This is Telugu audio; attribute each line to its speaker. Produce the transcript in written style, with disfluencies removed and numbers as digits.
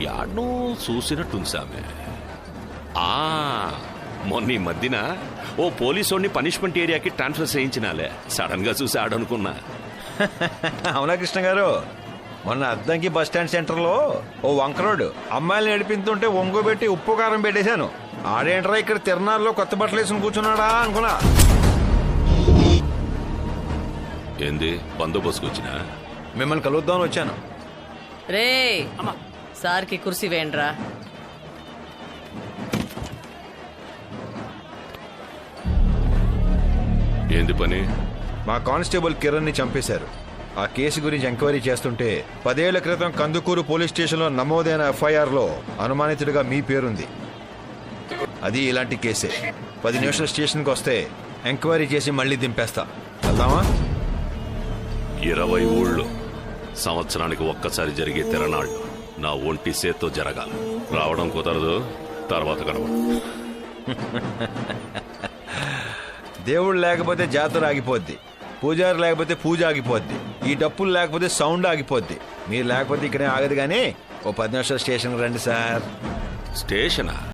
Speaker 1: యాడ్నో చూసినట్టుంది సామె. మొన్న ఈ మధ్యన ఓ పోలీసోడిని పనిష్మెంట్ ఏరియాకి ట్రాన్స్ఫర్ చేయించినాలే. సడన్ గా చూసి ఆడనుకున్నా.
Speaker 2: అవునా కృష్ణ గారు, మొన్న అద్దంకి బస్ స్టాండ్ సెంటర్లో ఓ వంకరోడు అమ్మాయిలు నడిపిస్తుంటే ఒంగోబెట్టి ఉప్పు కారం పెట్టేశాను. ఆడేంట్రా ఇక్కడ తిరణాల్లో కొత్త బట్టలు వేసుకుని కూర్చున్నాడా అనుకున్నా.
Speaker 1: ఏంది బందోబస్తుకు వచ్చినా?
Speaker 2: మిమ్మల్ని కలుద్దామని వచ్చాను.
Speaker 3: రే సార్కి కుర్సీ వేయండిరా.
Speaker 1: ఏంది పని?
Speaker 2: మా కానిస్టేబుల్ కిరణ్ ని చంపేశారు. ఆ కేసు గురించి ఎంక్వైరీ చేస్తుంటే 10 ఏళ్ల క్రితం కందుకూరు పోలీస్ స్టేషన్లో నమోదైన ఎఫ్ఐఆర్ లో అనుమానితుడిగా మీ పేరుంది. అది ఇలాంటి కేసే. 10 నిమిషాలు స్టేషన్కి వస్తే ఎంక్వైరీ చేసి మళ్ళీ దింపేస్తా. వెళ్దామా?
Speaker 1: 20 ఊళ్ళు సంవత్సరానికి ఒక్కసారి జరిగే తిరణాళ్ళు నా ఒంటి సేత్తో జరగాలి. రావడం కుదరదు, తర్వాత కనబడు.
Speaker 2: దేవుడు లేకపోతే జాతర ఆగిపోద్ది, పూజారి లేకపోతే పూజ ఆగిపోద్ది, ఈ డప్పులు లేకపోతే సౌండ్ ఆగిపోద్ది. మీరు లేకపోతే ఇక్కడే ఆగదు. కానీ ఓ 10 నిమిషాలు స్టేషన్కి రండి సార్.
Speaker 1: స్టేషనా?